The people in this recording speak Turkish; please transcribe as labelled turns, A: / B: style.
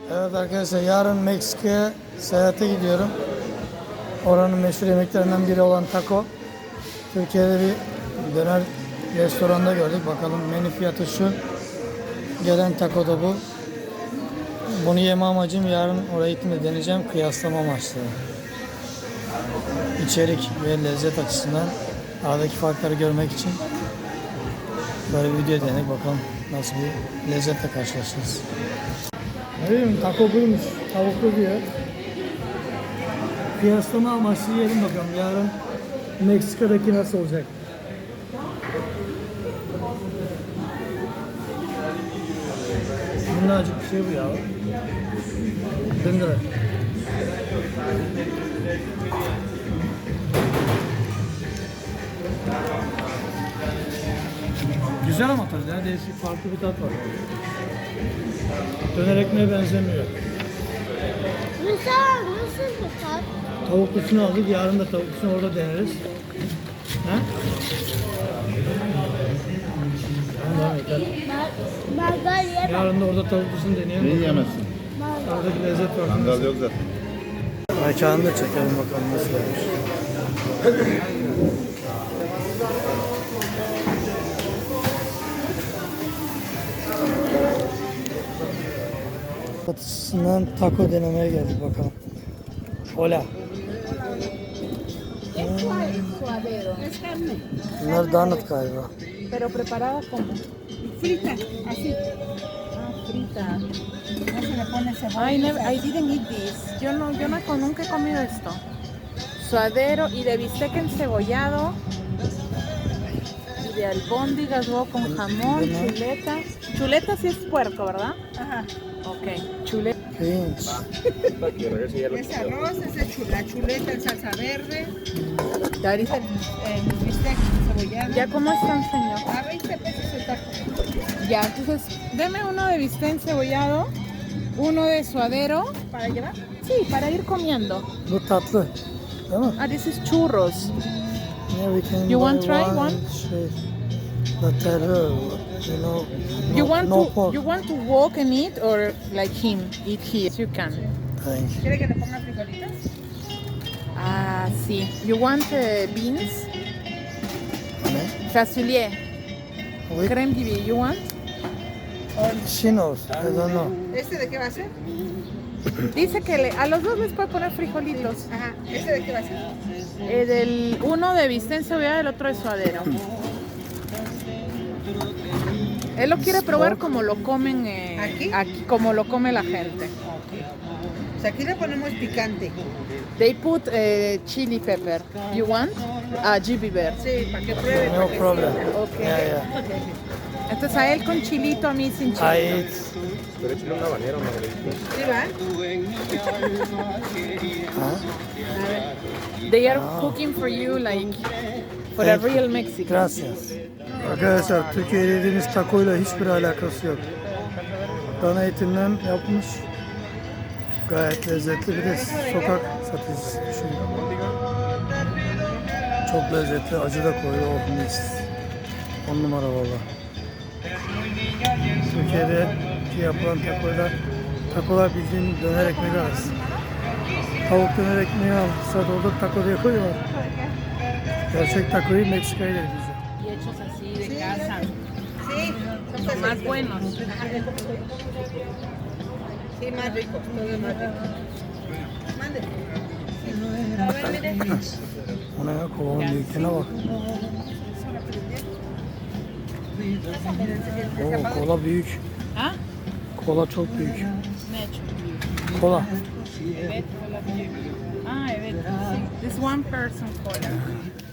A: Evet arkadaşlar, yarın Meksika'ya seyahate gidiyorum. Oranın meşhur yemeklerinden biri olan taco. Türkiye'de bir döner restoranda gördük. Bakalım menü fiyatı şu. Gelen taco da bu. Bunu yeme amacım yarın oraya gittiğimde deneyeceğim. Kıyaslama amaçlı. İçerik ve lezzet açısından aradaki farkları görmek için böyle bir video denedik. Bakalım nasıl bir lezzetle karşılaşacağız. Ne bileyim, taco buymuş. Tavuklu diyor. Kıyaslama amaçlı yiyelim bakalım. Yarın Meksika'daki nasıl olacak? Minnacık bir şey bu ya. Döndüre. Güzel ama tadı ya. Değişik, farklı bir tat var. Döner ekmeğe benzemiyor.
B: Nasıl bir tat?
A: Tavuklusunu aldık. Yarın da tavuklusunu orada deneriz. Ha? Tamam, yeter.
B: Mangal yemem.
A: Yarın da orada tavuklusunu deneyelim.
C: Neyi yemezsin?
A: Oradaki lezzet var.
C: Mangal yok zaten.
A: Mekanı da çekelim bakalım nasıl olmuş. Satışından taco denemeye geldik bakalım. Hola.
D: Suadero.
B: Es carne.
A: Bunlar donut galiba.
D: Pero preparada como
B: Frita, así.
D: frita.
B: No se le pone cebolla.
D: I didn't eat this. Yo nunca he comido esto. Suadero y de bistec encebollado. Y de albóndigas, huevo con jamón, chuletas. Chuletas sí es puerco, ¿verdad?
B: Ajá.
D: Ok. Chuleta.
A: Pirinç.
B: Es arroz, la chuleta en salsa verde,
D: Ya ahorita-
B: el bistec cebollado.
D: ¿Ya cómo están, señor?
B: A 20 pesos el taco.
D: Ya, entonces, deme uno de bistec encebollado, uno de suadero.
B: ¿Para llevar?
D: Sí, para ir comiendo.
A: Bu tatlı. Değil mi?
D: Ah, this is churros.
A: Yeah, we can
D: You want
A: buy
D: try one?
A: Şey, lateral, you know,
D: You
A: no,
D: want
A: no
D: to
A: pork.
D: you want to walk and eat or like him eat here? You can.
A: Thank you.
B: ¿Quiere que le ponga frijolitos?
D: Ah, sí. You want beans?
A: Ne?
D: Facilier.
A: With
D: Crème gibi. You want?
A: chinos, I don't know.
B: ¿Este de qué va a ser?
D: Dice que a los dos les puede poner frijolitos.
B: Ajá. ¿Este de qué va a ser?
D: Del uno de bistec encebollado, el otro de suadero. Él lo quiere probar como lo comen
B: ¿Aquí?
D: como lo come la gente.
B: O sea, aquí le ponemos picante.
D: They put chili pepper. You want? Ah, GB bear.
B: Sí, para que pruebe.
A: No
B: para que
A: problem.
B: sienta.
D: Ok.
A: Yeah, yeah.
D: Entonces a él con chilito, a mí sin
A: I
D: chilito.
A: eat.
C: Pero échale un habanero, Margarita.
B: ¿Sí va?
A: Ha?
D: They are cooking for you like for a
A: Thank you.
D: real Mexican.
A: Gracias. Arkadaşlar, Türkiye'de yediğimiz takoyla hiçbir alakası yok. Dana etinden yapmış. Gayet lezzetli, bir de sokak satıcısı düşünün. Çok lezzetli, acı da koyuyor, oh mis. 10 numara valla. Türkiye'de yapılan takolar bildiğin döner ekmeği arası. Tavuk döner ekmeği alsa doldur taco diye koyuyorlar. Gerçek takoyu Meksika'ya ile bizde.
D: Y hechos así de casa.
B: Sí, son
D: Son más buenos.
B: Sí, más ricos, todo más rico. Mande. A ver, mire.
A: Ona ya, kovanın büyüklüğüne bak. Oo, kola büyük.
D: ¿Ah?
A: Kola çok büyük.
D: Ne hecho?
A: Kola.
D: Evet. Ah, evet. This one person cola.